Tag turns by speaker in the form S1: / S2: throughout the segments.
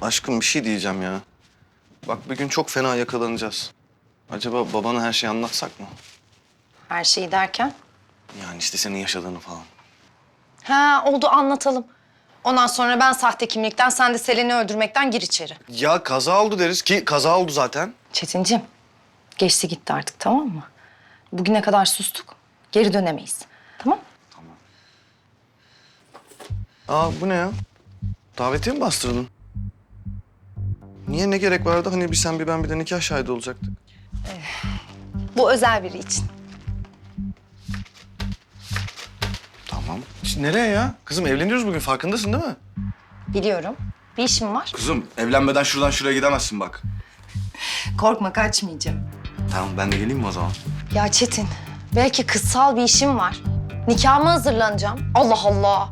S1: Aşkım bir şey diyeceğim ya. Bak bir gün çok fena yakalanacağız. Acaba babana her şeyi anlatsak mı?
S2: Her şeyi derken?
S1: Yani işte senin yaşadığını falan.
S2: Ha oldu, anlatalım. Ondan sonra ben sahte kimlikten, sen de Selen'i öldürmekten gir içeri.
S1: Ya kaza oldu deriz ki kaza oldu zaten.
S2: Çetincim, geçti gitti artık, tamam mı? Bugüne kadar sustuk, geri dönemeyiz. Tamam?
S1: Aa bu ne ya? Davetiye mi bastırdın? Niye, ne gerek vardı? Hani bir sen bir ben bir de nikah şahidi olacaktık.
S2: Bu özel biri için.
S1: Tamam. Şimdi nereye ya? Kızım evleniyoruz bugün, farkındasın değil mi?
S2: Biliyorum. Bir işim var.
S1: Kızım evlenmeden şuradan şuraya gidemezsin bak.
S2: Korkma, kaçmayacağım.
S1: Tamam ben de geleyim mi o zaman?
S2: Ya Çetin, belki kızsal bir işim var. Nikahıma hazırlanacağım. Allah Allah.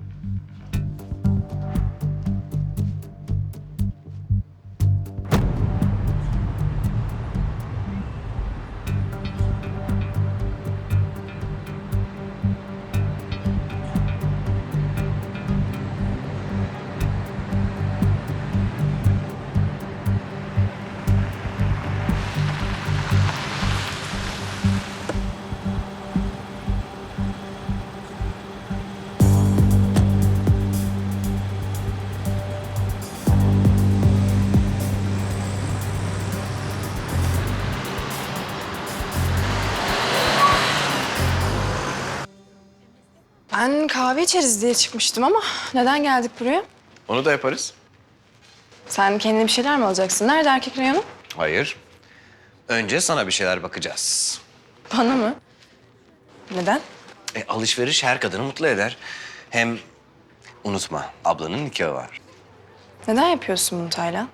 S3: Ben kahve içeriz diye çıkmıştım ama neden geldik buraya?
S4: Onu da yaparız.
S3: Sen kendine bir şeyler mi alacaksın? Nerede erkek reyonu?
S4: Hayır. Önce sana bir şeyler bakacağız.
S3: Bana mı? Neden?
S4: Alışveriş her kadını mutlu eder. Hem unutma, ablanın nikahı var.
S3: Neden yapıyorsun bunu Taylan?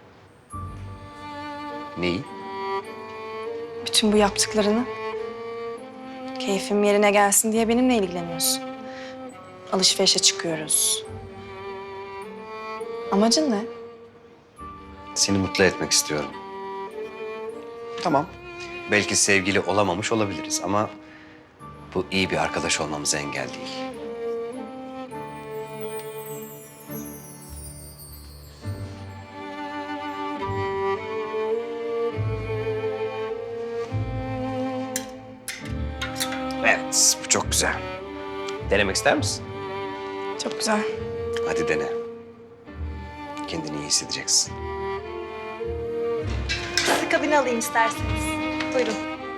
S4: Neyi?
S3: Bütün bu yaptıklarını. Keyfim yerine gelsin diye benimle ilgileniyorsun. Alışverişe çıkıyoruz. Amacın ne?
S4: Seni mutlu etmek istiyorum. Tamam. Belki sevgili olamamış olabiliriz ama bu iyi bir arkadaş olmamıza engel değil. Evet, bu çok güzel. Denemek ister misin?
S3: Çok güzel.
S4: Hadi dene. Kendini iyi hissedeceksin.
S2: Kabine alayım isterseniz. Buyurun.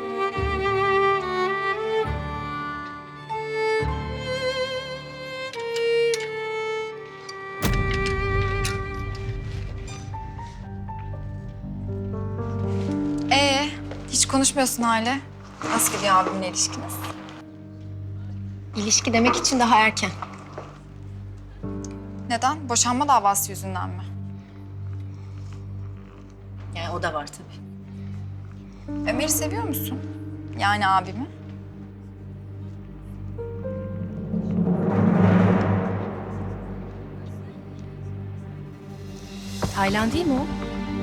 S5: Hiç konuşmuyorsun hala. Nasıl gidiyor abimle ilişkiniz?
S2: İlişki demek için daha erken.
S5: Neden? Boşanma davası yüzünden mi?
S2: Yani o da var tabii.
S5: Ömer'i seviyor musun? Yani abimi?
S2: Taylan değil mi o?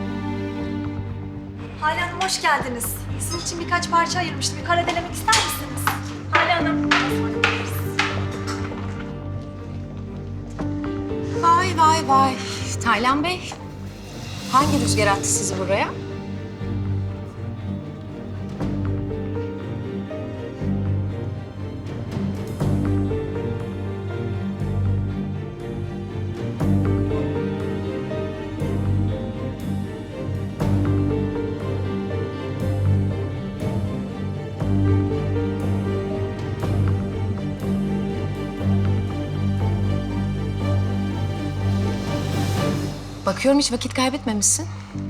S6: Hale Hanım hoş geldiniz. Sizin için birkaç parça ayırmıştım. Bir karadelemek ister misiniz? Hale Hanım.
S2: Vay vay vay. Taylan Bey, hangi rüzgar attı sizi buraya? Bakıyorum hiç vakit kaybetmemişsin.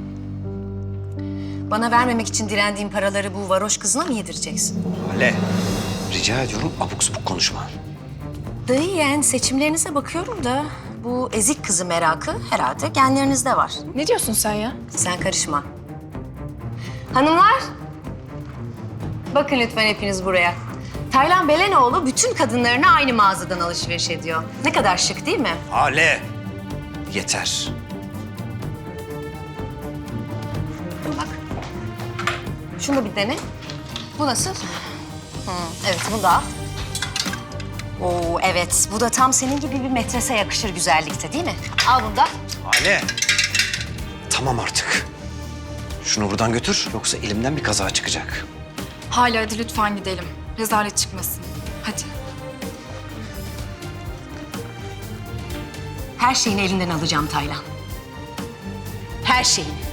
S2: Bana vermemek için direndiğin paraları bu varoş kızına mı yedireceksin?
S4: Hale, rica ediyorum abuk subuk konuşma.
S2: Dayı yeğen seçimlerinize bakıyorum da bu ezik kızı merakı herhalde genlerinizde var.
S3: Ne diyorsun sen ya?
S2: Sen karışma. Hanımlar, bakın lütfen hepiniz buraya. Taylan Belenoğlu bütün kadınlarına aynı mağazadan alışveriş ediyor. Ne kadar şık değil mi?
S4: Hale, yeter.
S2: Bak. Şunu bir dene. Bu nasıl? Evet, bu da. Oo, evet. Bu da tam senin gibi bir metrese yakışır güzellikte değil mi? Al bunu da.
S4: Hale, Tamam artık. Şunu buradan götür yoksa elimden bir kaza çıkacak.
S5: Hala hadi lütfen gidelim. Rezalet çıkmasın. Hadi.
S2: Her şeyini elinden alacağım Taylan. Her şeyini.